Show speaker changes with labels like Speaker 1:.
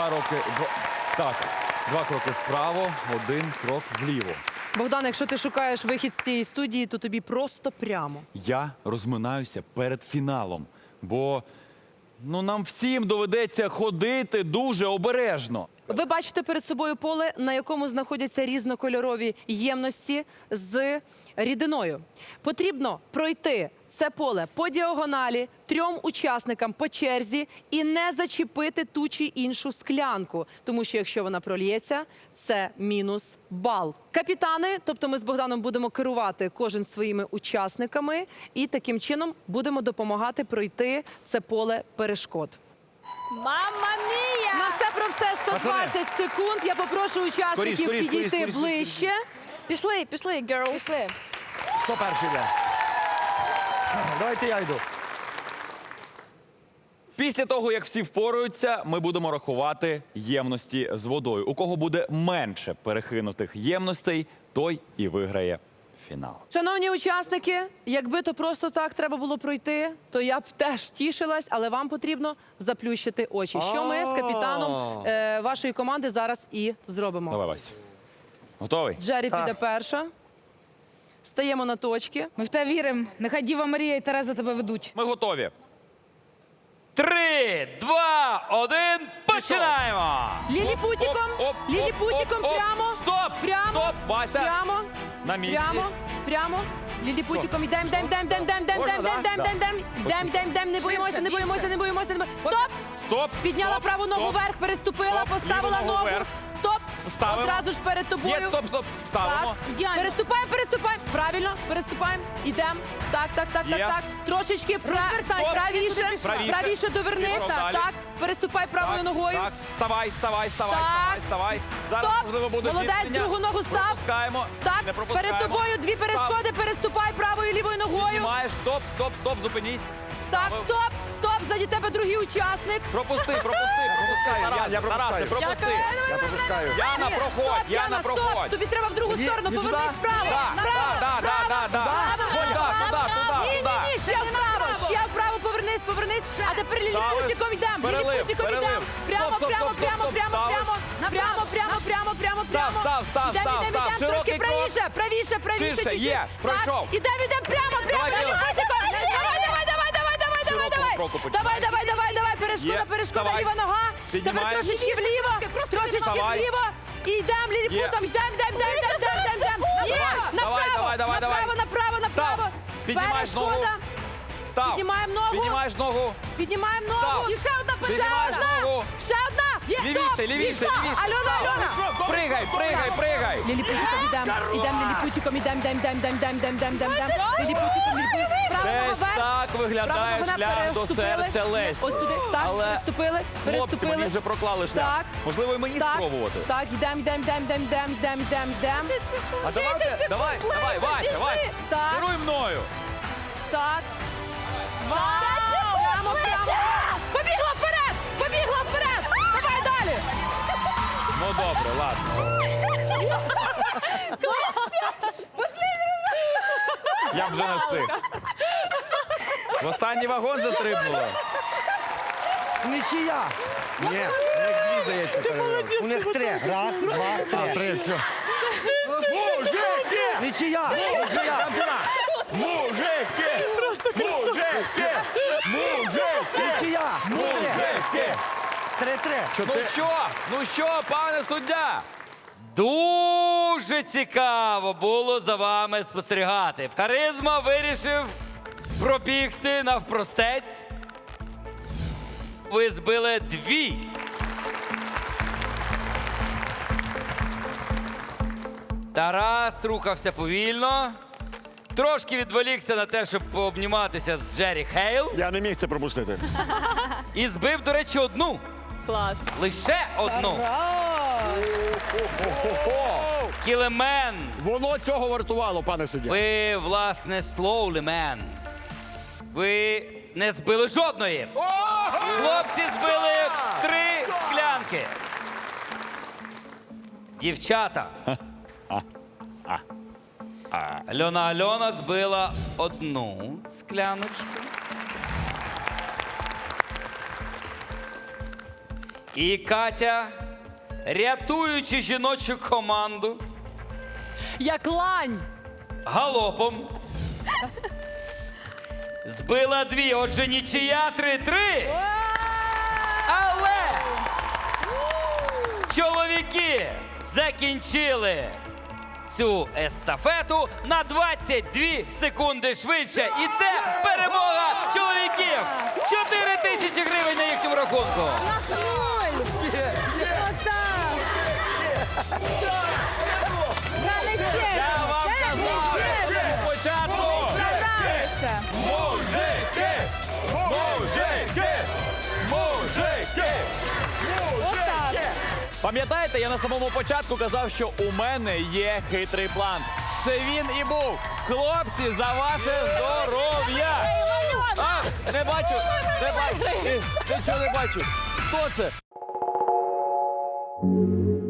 Speaker 1: Два кроки вправо, один крок вліво.
Speaker 2: Богдан, якщо ти шукаєш вихід з цієї студії, то тобі просто прямо.
Speaker 1: Я розминаюся перед фіналом, бо нам всім доведеться ходити дуже обережно.
Speaker 2: Ви бачите перед собою поле, на якому знаходяться різнокольорові ємності з рідиною. Потрібно пройти це поле по діагоналі 3 учасникам по черзі і не зачепити ту чи іншу склянку, тому що якщо вона прольється, це мінус бал. Капітани, тобто ми з Богданом будемо керувати кожен своїми учасниками і таким чином будемо допомагати пройти це поле перешкод.
Speaker 3: Мамма мія!
Speaker 2: На все про все 120 секунд. Я попрошу учасників підійти ближче.
Speaker 3: Пішли, girls. Пішли.
Speaker 4: Хто перший йде? Давайте я йду.
Speaker 1: Після того, як всі впораються, ми будемо рахувати ємності з водою. У кого буде менше перекинутих ємностей, той і виграє фінал.
Speaker 2: Шановні учасники, якби то просто так треба було пройти, то я б теж тішилась, але вам потрібно заплющити очі. Що ми з капітаном вашої команди зараз і зробимо.
Speaker 1: Давай, Вась. Готовий?
Speaker 2: Джері піде перша. Стаємо на точки.
Speaker 5: Ми в тебе віримо. Нехай Діва Марія і Тереза тебе ведуть.
Speaker 1: Ми готові.
Speaker 6: 3, 2, 1, починаємо!
Speaker 2: Ліліпутіком, ліліпутіком прямо.
Speaker 1: Стоп!
Speaker 2: Прямо.
Speaker 1: Стоп, Вася!
Speaker 2: Прямо.
Speaker 1: На місці.
Speaker 2: Прямо. Ліліпутіком йдем. Не боїмося. Стоп! Підняла праву ногу вверх, переступила, поставила
Speaker 1: Ліву ногу
Speaker 2: ногу.
Speaker 1: вверх.
Speaker 2: Стоп!
Speaker 1: Ставимо.
Speaker 2: Одразу ж перед тобою.
Speaker 1: Є, стоп. Ставимо.
Speaker 5: Ідеально.
Speaker 2: Переступаємо. Правильно, переступаємо. Ідемо. Так.
Speaker 1: Є.
Speaker 2: Трошечки правіше. Правіше довернись.
Speaker 1: Пішов далі.
Speaker 2: Так. Переступай правою ногою.
Speaker 1: Так, вставай.
Speaker 2: Так.
Speaker 1: Зараз,
Speaker 2: Стоп.
Speaker 1: можливо, буде
Speaker 2: Молодець,
Speaker 1: зіткнення.
Speaker 2: другу ногу став.
Speaker 1: Пропускаємо.
Speaker 2: Так,
Speaker 1: Не пропускаємо.
Speaker 2: перед тобою 2 перешкоди. Переступай правою і лівою ногою.
Speaker 1: Знімаєш. Стоп, зупинись.
Speaker 2: Так, стоп. Ззаді тебе другий учасник.
Speaker 1: Пропускай.
Speaker 4: Я пропускаю.
Speaker 1: Тарасе, пропусти.
Speaker 4: Я пропускаю.
Speaker 1: Яна, проходь, Яна,
Speaker 2: Стоп.
Speaker 1: проходь.
Speaker 2: Тобі треба в другу сторону.
Speaker 4: Ні,
Speaker 2: Повернись
Speaker 4: туди.
Speaker 2: вправо. Ні, ще вправо. Повернись. А тепер ліліпутіком йдемо.
Speaker 1: Перелив.
Speaker 2: Прямо.
Speaker 1: Стоп.
Speaker 2: Прямо.
Speaker 1: Став.
Speaker 2: Трошки
Speaker 1: Широкий крок.
Speaker 2: правіше.
Speaker 1: Ширше,
Speaker 2: чуть-чуть.
Speaker 1: є, пройшов.
Speaker 2: Так, ідемо прямо.
Speaker 1: Давай,
Speaker 2: Ліліпутіком.
Speaker 1: Широкого кроку починай.
Speaker 2: Давай. Перешкода,
Speaker 1: Давай.
Speaker 2: ліва нога. Тепер
Speaker 1: Піднімаєш.
Speaker 2: трошечки вліво.
Speaker 1: Вставай.
Speaker 2: І йдемо ліліпутом. Йдемо. Направо.
Speaker 1: Піднімаєш ногу.
Speaker 2: Перешкода.
Speaker 1: Став.
Speaker 2: Піднімаємо ногу.
Speaker 1: Піднімаєш ногу.
Speaker 2: І ще одна
Speaker 1: Піднімаєш ногу.
Speaker 2: Ще одна.
Speaker 1: Лівіше.
Speaker 2: Альона.
Speaker 1: Пригай.
Speaker 2: Ліліпутіком ідемо. Ліліпутіком.
Speaker 1: Десь так виглядає шлях до серця Лесі.
Speaker 2: Ось сюди. Так,
Speaker 1: Але хлопці мені вже проклали шлях.
Speaker 2: Так.
Speaker 1: Можливо, і мені спробувати.
Speaker 2: Так, йдемо.
Speaker 1: А давай, Вася.
Speaker 2: Так.
Speaker 1: Керуй мною.
Speaker 2: Так. Прямо. Побігла вперед. Давай далі.
Speaker 1: Ну добре, ладно. Я б вже не встиг. В останній вагон застрибнула.
Speaker 4: Нічия. Ні, у них 2 здається. У них 3. Раз, 2, 3. 3, все. Мужики! Нічия. Мужики! Нічия. 3-3.
Speaker 1: Ну що, пане суддя?
Speaker 6: Дуже цікаво було за вами спостерігати. Харизма вирішив пробігти навпростець. Ви збили 2. Тарас рухався повільно. Трошки відволікся на те, щоб пообніматися з Джері Хейл.
Speaker 4: Я не міг це пропустити.
Speaker 6: І збив, до речі, 1.
Speaker 2: Клас.
Speaker 6: Лише 1. Кілемен.
Speaker 4: Воно цього вартувало, пане суддя.
Speaker 6: Ви, власне, slowly man. Ви не збили жодної. Хлопці збили 3 склянки. Дівчата. Альона збила 1 скляночку. І Катя, рятуючи жіночу команду,
Speaker 2: Як лань.
Speaker 6: галопом збила 2, отже нічия 3-3. Але чоловіки закінчили цю естафету на 22 секунди швидше. І це перемога чоловіків. 4 тисячі гривень на їхньому рахунку.
Speaker 1: Я вам казав спочатку! Мужики! Мужики! Мужики! Пам'ятаєте, я на самому початку казав, що у мене є хитрий план. Це він і був. Хлопці, за ваше здоров'я! А, не бачу, не бачу, нічого не бачу. Хто це?